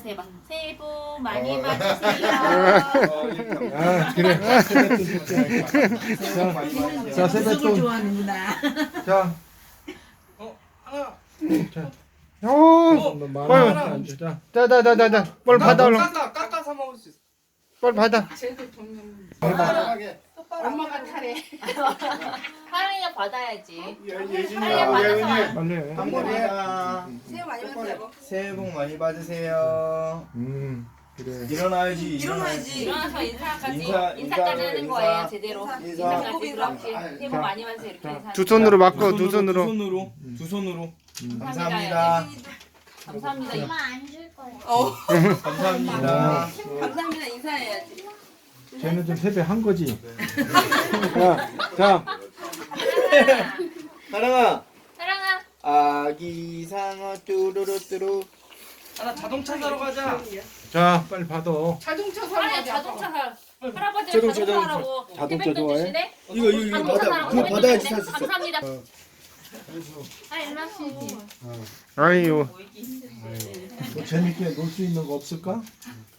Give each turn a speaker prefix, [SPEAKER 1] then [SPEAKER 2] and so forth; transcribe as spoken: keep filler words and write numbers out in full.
[SPEAKER 1] 인사해주세요. 해봐. 새해 복 많이 받으세요.
[SPEAKER 2] 아 그래. 자, 자 세뱃돈.
[SPEAKER 3] 좋아하는구나.
[SPEAKER 2] 자,
[SPEAKER 4] 어 하나.
[SPEAKER 2] 자,
[SPEAKER 5] 오,
[SPEAKER 2] 너 만
[SPEAKER 5] 빨리.
[SPEAKER 2] 원 안 줘. 자,
[SPEAKER 5] 자자자자자, 빨리 받아 얼른.
[SPEAKER 4] 깎아 깎아서 먹을 수 있어.
[SPEAKER 5] 빨리 받아.
[SPEAKER 3] 쟤도 돈
[SPEAKER 1] 엄마가 타래. 하랑이가 받아야지.
[SPEAKER 6] 예진이야,
[SPEAKER 1] 받아서
[SPEAKER 6] 예은이.
[SPEAKER 2] 빨리.
[SPEAKER 6] 감사합니다.
[SPEAKER 3] 새해 많이 받으세요.
[SPEAKER 6] 새해 복 많이 받으세요.
[SPEAKER 2] 음, 그래.
[SPEAKER 6] 일어나야지.
[SPEAKER 3] 일어나야지.
[SPEAKER 1] 일어나서 인사까지
[SPEAKER 6] 인사,
[SPEAKER 1] 인사까지
[SPEAKER 6] 인사,
[SPEAKER 1] 하는
[SPEAKER 6] 인사.
[SPEAKER 1] 거예요. 제대로.
[SPEAKER 6] 인사.
[SPEAKER 1] 인사까지 그렇게 새해 복 많이 받으세요. 이렇게 인사.
[SPEAKER 5] 두 손으로 맞고 두
[SPEAKER 4] 두
[SPEAKER 5] 손으로.
[SPEAKER 4] 손으로 두 손으로.
[SPEAKER 6] 감사합니다.
[SPEAKER 1] 감사합니다.
[SPEAKER 7] 엄마 안 줄 거야.
[SPEAKER 3] 어.
[SPEAKER 6] 감사합니다.
[SPEAKER 3] 감사합니다. 인사해야지.
[SPEAKER 2] 쟤는 좀 세배한 거지. 자, 자,
[SPEAKER 6] 사랑아.
[SPEAKER 1] 사랑아.
[SPEAKER 6] 아기 상어 뚜루루뚜루.
[SPEAKER 4] 하나 자동차 사러 가자.
[SPEAKER 2] 자, 빨리 받아.
[SPEAKER 3] 자동차
[SPEAKER 1] 아니
[SPEAKER 3] 사러
[SPEAKER 1] 자동차 사. 할아버지
[SPEAKER 6] 자동차,
[SPEAKER 1] 자동차
[SPEAKER 6] 자동차.
[SPEAKER 1] 사라고
[SPEAKER 2] 자동차
[SPEAKER 1] 세뱃돈
[SPEAKER 2] 좋아해?
[SPEAKER 1] 주시네?
[SPEAKER 6] 이거 이거 이거
[SPEAKER 1] 자동차
[SPEAKER 6] 받아.
[SPEAKER 1] 사라고
[SPEAKER 6] 그거
[SPEAKER 1] 세뱃돈
[SPEAKER 6] 받아야지
[SPEAKER 1] 주시네?
[SPEAKER 6] 살 수 있어.
[SPEAKER 1] 감사합니다.
[SPEAKER 7] 아, 일로
[SPEAKER 5] 아이고.
[SPEAKER 2] 뭐 재밌게 놀 수 있는 거 없을까?